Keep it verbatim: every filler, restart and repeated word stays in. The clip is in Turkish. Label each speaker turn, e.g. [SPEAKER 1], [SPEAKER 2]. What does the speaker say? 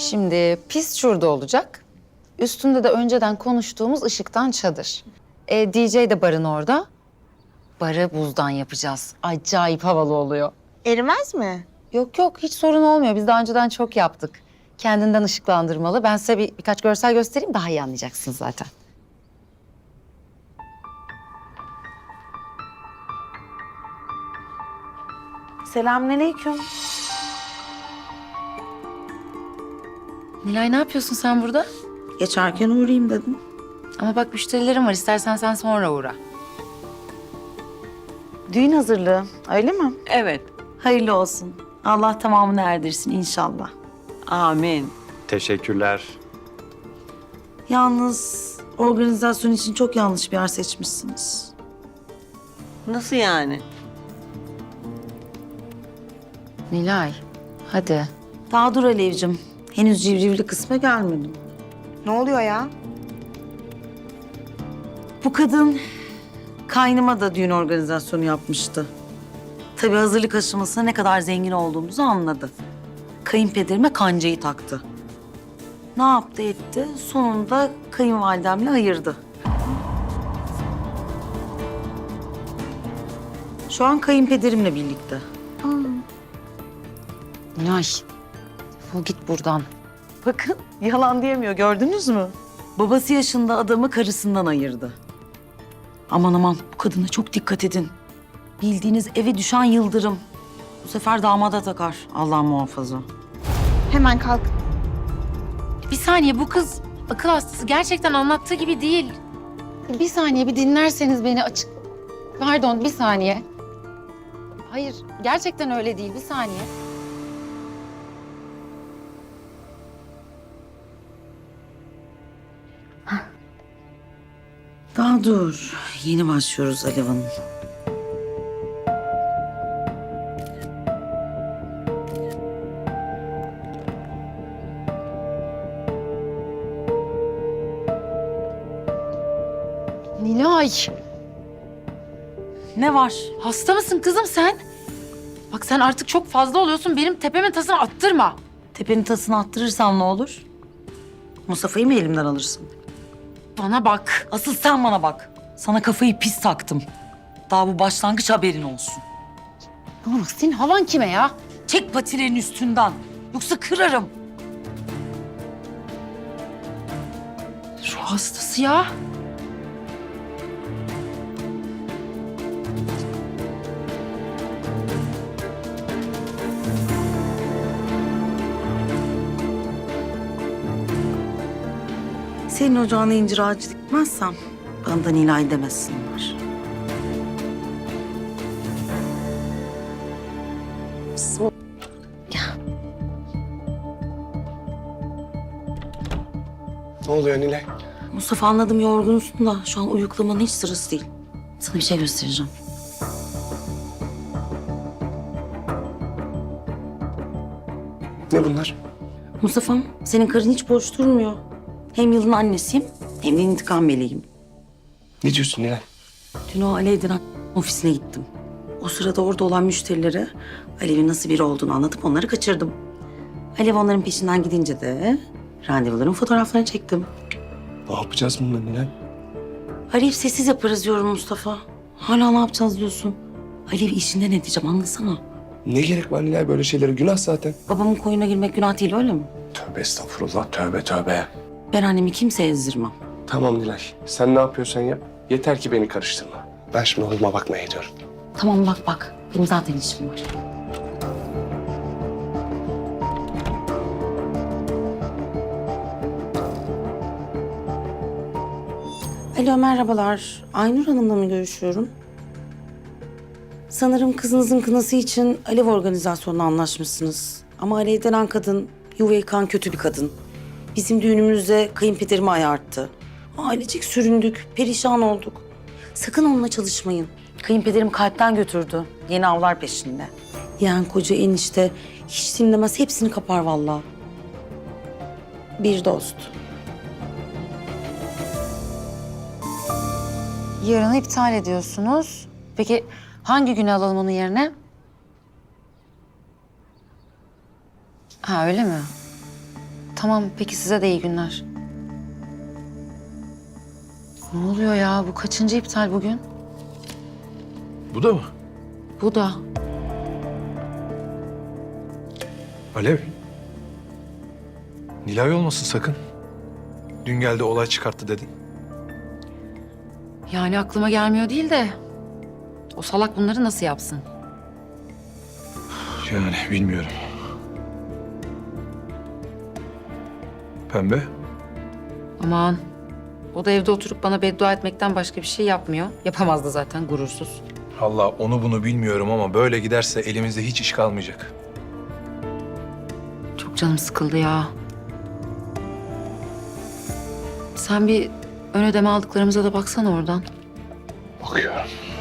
[SPEAKER 1] Şimdi pist şurada olacak. Üstünde de önceden konuştuğumuz ışıktan çadır. E, D J de barın orada. Barı buzdan yapacağız. Acayip havalı oluyor.
[SPEAKER 2] Erimez mi?
[SPEAKER 1] Yok yok hiç sorun olmuyor. Biz daha önceden çok yaptık. Kendinden ışıklandırmalı. Ben size bir, birkaç görsel göstereyim daha iyi anlayacaksınız zaten.
[SPEAKER 2] Selamünaleyküm.
[SPEAKER 1] Nilay ne yapıyorsun sen burada?
[SPEAKER 2] Geçerken uğrayayım dedim.
[SPEAKER 1] Ama bak müşterilerim var. İstersen sen sonra uğra.
[SPEAKER 2] Düğün hazırlığı, öyle mi?
[SPEAKER 3] Evet.
[SPEAKER 2] Hayırlı olsun. Allah tamamını erdirsin inşallah.
[SPEAKER 3] Amin.
[SPEAKER 4] Teşekkürler.
[SPEAKER 2] Yalnız organizasyon için çok yanlış bir yer seçmişsiniz.
[SPEAKER 3] Nasıl yani?
[SPEAKER 1] Nilay hadi.
[SPEAKER 2] Daha dur Alevcim. Henüz civrivli kısma gelmedim.
[SPEAKER 5] Ne oluyor ya?
[SPEAKER 2] Bu kadın kaynıma da düğün organizasyonu yapmıştı. Tabii hazırlık aşamasında ne kadar zengin olduğumuzu anladı. Kayınpederime kancayı taktı. Ne yaptı etti? Sonunda kayınvalidemle ayırdı. Şu an kayınpederimle birlikte.
[SPEAKER 1] Nilay defol git buradan.
[SPEAKER 2] Bakın yalan diyemiyor gördünüz mü? Babası yaşında adamı karısından ayırdı. Aman aman bu kadına çok dikkat edin. Bildiğiniz eve düşen yıldırım. Bu sefer damada takar Allah muhafaza.
[SPEAKER 5] Hemen kalk.
[SPEAKER 1] Bir saniye bu kız akıl hastası. Gerçekten anlattığı gibi değil. Bir saniye bir dinlerseniz beni açık... Pardon bir saniye. Hayır gerçekten öyle değil bir saniye.
[SPEAKER 2] Daha dur. Yeni başlıyoruz Alev Hanım.
[SPEAKER 1] Nilay
[SPEAKER 2] Ne var?
[SPEAKER 1] hasta mısın kızım sen? Bak sen artık çok fazla oluyorsun. Benim tepemin tasını attırma.
[SPEAKER 2] Tepenin tasını attırırsam ne olur? Mustafa'yı mı elimden alırsın?
[SPEAKER 1] Bana bak.
[SPEAKER 2] Asıl sen bana bak. Sana kafayı pis taktım. Daha bu başlangıç haberin olsun.
[SPEAKER 1] Bana bak senin havan kime ya?
[SPEAKER 2] Çek patilerin üstünden. Yoksa kırarım.
[SPEAKER 1] Şu hastası ya.
[SPEAKER 2] Senin ocağına incir ağacı dikmezsem bana da Nilay demesinler.
[SPEAKER 4] Ne oluyor Nilay?
[SPEAKER 2] Mustafa anladım yorgunsun da şu an uyuklamanın hiç sırası değil. Sana bir şey göstereceğim.
[SPEAKER 4] Ne bunlar?
[SPEAKER 2] Mustafa'm senin karın hiç boş durmuyor. Hem yılın annesiyim hem de intikam meleğim.
[SPEAKER 4] Ne diyorsun Nilay?
[SPEAKER 2] Dün o Alev denen ofisine gittim. O sırada orada olan müşterilere Alev'in nasıl biri olduğunu anlatıp onları kaçırdım. Alev onların peşinden gidince de randevuların fotoğraflarını çektim.
[SPEAKER 4] Ne yapacağız bununla Nilay?
[SPEAKER 2] Alev sessiz yaparız diyorum Mustafa. Hala ne yapacağız diyorsun. Alev'i işinden edeceğim anlasana.
[SPEAKER 4] Ne gerek var Nilay böyle şeylere? Günah zaten.
[SPEAKER 2] Babamın koyuna girmek günah değil öyle mi?
[SPEAKER 4] Tövbe estağfurullah, tövbe tövbe.
[SPEAKER 2] Ben annemi kimseye ezdirmem.
[SPEAKER 4] Tamam Nilay, sen ne yapıyorsan yap. Yeter ki beni karıştırma. Ben şimdi oğluma bakmaya gidiyorum.
[SPEAKER 2] Tamam bak bak. Benim zaten işim var. Alo merhabalar. Aynur Hanım'la mı görüşüyorum? Sanırım kızınızın kınası için Alev organizasyonuna anlaşmışsınız. Ama Alev denen kadın yuva yıkan kötü bir kadın. Bizim düğünümüzde kayınpederimi ayarttı. Ailecek süründük, perişan olduk. Sakın onunla çalışmayın. Kayınpederim kalpten götürdü. Yeni avlar peşinde. Yani koca enişte hiç dinlemez, hepsini kapar vallahi. Bir dost.
[SPEAKER 1] Yarını iptal ediyorsunuz. Peki hangi güne alalım onun yerine? Ha öyle mi? tamam peki size de iyi günler. Ne oluyor ya? Bu kaçıncı iptal bugün?
[SPEAKER 6] Bu da mı?
[SPEAKER 1] Bu da.
[SPEAKER 6] Alev. Nilay olmasın sakın. Dün geldi olay çıkarttı dedin.
[SPEAKER 1] Yani aklıma gelmiyor değil de... O salak bunları nasıl yapsın?
[SPEAKER 6] Yani bilmiyorum. Pembe.
[SPEAKER 1] Aman. O da evde oturup bana beddua etmekten başka bir şey yapmıyor. Yapamazdı zaten gurursuz.
[SPEAKER 6] Allah onu bunu bilmiyorum ama böyle giderse elimizde hiç iş kalmayacak.
[SPEAKER 1] Çok canım sıkıldı ya. Sen bir ön ödeme aldıklarımıza da baksana oradan.
[SPEAKER 4] Bakıyorum.